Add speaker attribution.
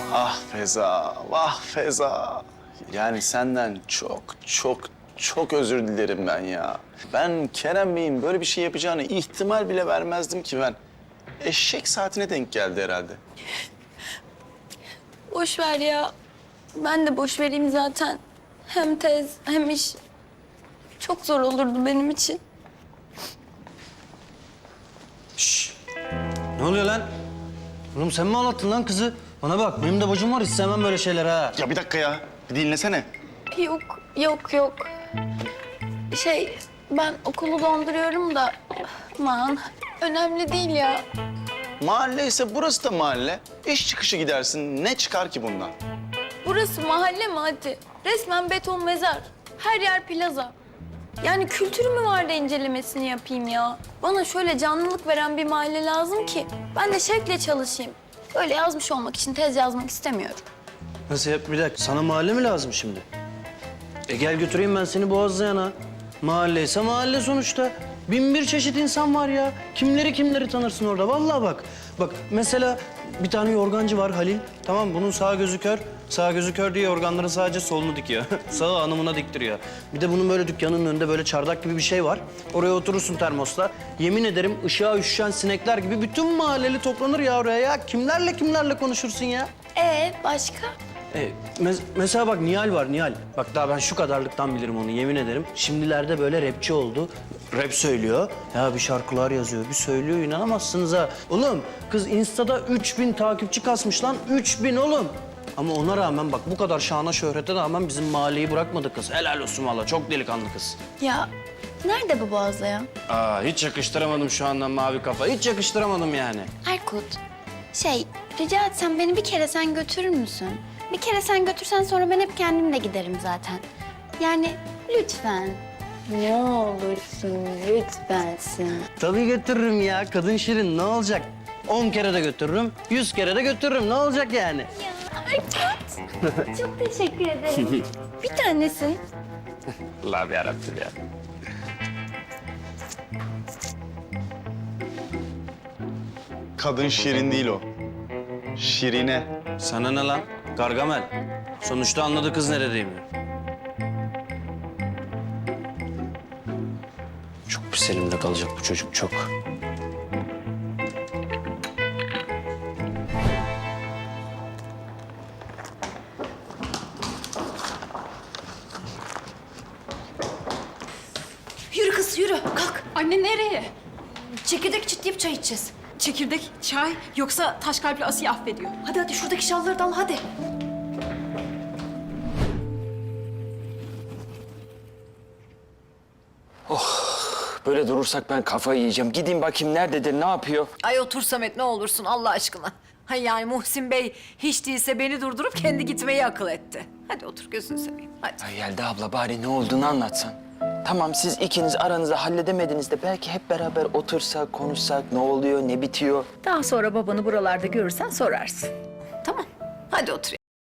Speaker 1: Ah Feza, vah Feza. Yani senden çok özür dilerim ben ya. Ben Kerem Bey'in böyle bir şey yapacağını ihtimal bile vermezdim ki ben. Eşek saatine denk geldi herhalde.
Speaker 2: Boş ver ya. Ben de boş vereyim zaten. Hem tez hem iş. Çok zor olurdu benim için.
Speaker 3: Ne oluyor lan? Oğlum sen mi ağlattın lan kızı? Bana bak, benim de bacım var, istemem böyle şeyler ha.
Speaker 1: Ya bir dakika ya, bir dinlesene.
Speaker 2: Yok. Ben okulu donduruyorum da... Aman, önemli değil ya.
Speaker 1: Mahalle ise burası da mahalle. İş çıkışı gidersin, ne çıkar ki bundan?
Speaker 2: Burası mahalle mi hadi? Resmen beton mezar. Her yer plaza. Yani kültürü mü var da incelemesini yapayım ya? Bana şöyle canlılık veren bir mahalle lazım ki ben de şevkle çalışayım. Öyle yazmış olmak için tez yazmak istemiyorum.
Speaker 3: Nasıl yap? Bir dakika, sana mahalle mi lazım şimdi? Gel götüreyim ben seni Boğazlayan'a. Mahalle ise mahalle sonuçta. Bin bir çeşit insan var ya. Kimleri tanırsın orada, vallahi bak. Bak mesela bir tane yorgancı var Halil. Tamam, bunun sağ gözü kör. Sağ gözü kör diye yorganların sadece solunu dikiyor. Sağı hanımına diktiriyor. Bir de bunun böyle dükkanının önünde böyle çardak gibi bir şey var. Oraya oturursun termosla. Yemin ederim ışığa üşüşen sinekler gibi bütün mahalleli toplanır ya oraya ya. Kimlerle konuşursun ya?
Speaker 2: Başka?
Speaker 3: Mesela bak Nihal var, Nihal. Bak daha ben şu kadarlıktan bilirim onu, yemin ederim. Şimdilerde böyle rapçi oldu. Rap söylüyor. Ya bir şarkılar yazıyor, bir söylüyor. İnanamazsınız ha. Oğlum kız Insta'da 3000 takipçi kasmış lan. 3000 oğlum. Ama ona rağmen bak bu kadar şana şöhrete rağmen bizim mahalleyi bırakmadı kız. Helal olsun valla, çok delikanlı kız.
Speaker 2: Ya nerede bu Boğazlayan?
Speaker 3: Hiç yakıştıramadım şu anda mavi kafa. Hiç yakıştıramadım yani.
Speaker 2: Erkut, rica etsem beni bir kere sen götürür müsün? Bir kere sen götürsen sonra ben hep kendim de giderim zaten. Yani lütfen. Ne olursun lütfensin.
Speaker 3: Tabii götürürüm ya. Kadın şirin, ne olacak? 10 kere de götürürüm, 100 kere de götürürüm. Ne olacak yani?
Speaker 2: Ya Erkut, çok teşekkür ederim. Bir tanesin.
Speaker 3: Allah'ım yarabbim ya.
Speaker 1: Kadın şirin değil o. Şirine.
Speaker 3: Sana ne lan? Gargamel. Sonuçta anladı kız neredeyim. Çok pis elimde kalacak bu çocuk, çok.
Speaker 4: Yürü kız yürü kalk.
Speaker 5: Anne nereye?
Speaker 4: Çekirdek çitleyip çay içeceğiz.
Speaker 5: Çekirdek, çay yoksa taş kalpli Asiye affediyor.
Speaker 4: Hadi şuradaki şalları da al hadi.
Speaker 6: Böyle durursak ben kafayı yiyeceğim. Gideyim bakayım nerededir, ne yapıyor?
Speaker 4: Ay otur Samet ne olursun Allah aşkına. Hay yani Muhsin Bey hiç değilse beni durdurup kendi gitmeyi akıl etti. Hadi otur gözünü seveyim hadi.
Speaker 6: Ay Yelda abla bari ne olduğunu anlatsan. Tamam siz ikiniz aranızda halledemediniz de belki hep beraber otursak, konuşsak, ne oluyor, ne bitiyor?
Speaker 4: Daha sonra babanı buralarda görürsen sorarsın. Tamam hadi otur